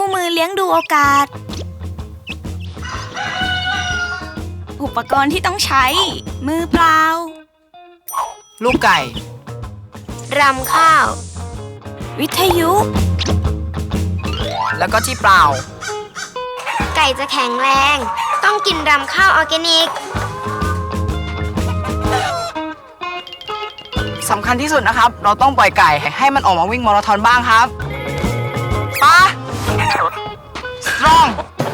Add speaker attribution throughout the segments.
Speaker 1: คู่มือเลี้ยงดูโอกาสอุปกรณ์ที่ต้องใช้มือเปล่า
Speaker 2: ลูกไก่
Speaker 3: รำข้าว
Speaker 1: วิทยุ
Speaker 2: แล้วก็ที่เปล่า
Speaker 3: ไก่จะแข็งแรงต้องกินรำข้าวออร์แกนิก
Speaker 2: สำคัญที่สุดนะครับเราต้องปล่อยไก่ให้มันออกมาวิ่งมาราธอนบ้างครับปะสตรอง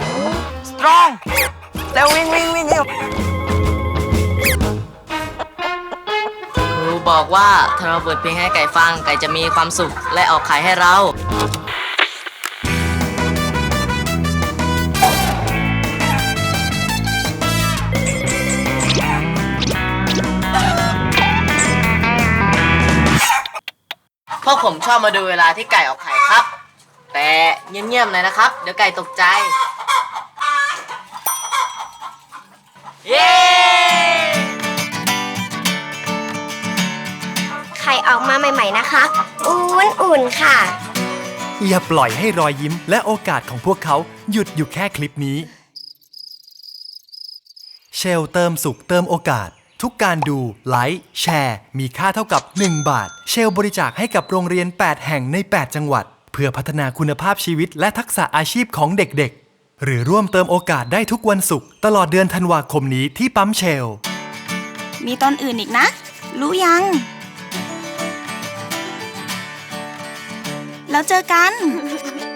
Speaker 2: แล้ววิ่ง
Speaker 4: ครูบอกว่าถ้าเราเปิดเพลงให้ไก่ฟังไก่จะมีความสุขและออกไข่ให้เราพวกผมชอบมาดูเวลาที่ไก่ออกไข่ครับแต่เงียบๆหน่อยนะครับเดี๋ยวไก่ตกใจเย้
Speaker 3: ไข่ออกมาใหม่ๆนะคะอุ่นๆค่ะ
Speaker 5: อย่าปล่อยให้รอยยิ้มและโอกาสของพวกเขาหยุดอยู่แค่คลิปนี้เชลเติมสุขเติมโอกาสทุกการดูไลค์แชร์มีค่าเท่ากับ1 บาทเชลบริจาคให้กับโรงเรียน8แห่งใน8จังหวัดเพื่อพัฒนาคุณภาพชีวิตและทักษะอาชีพของเด็กๆหรือร่วมเติมโอกาสได้ทุกวันศุกร์ตลอดเดือนธันวาคมนี้ที่ปั๊มเชล
Speaker 1: มีตอนอื่นอีกนะรู้ยังแล้วเจอกัน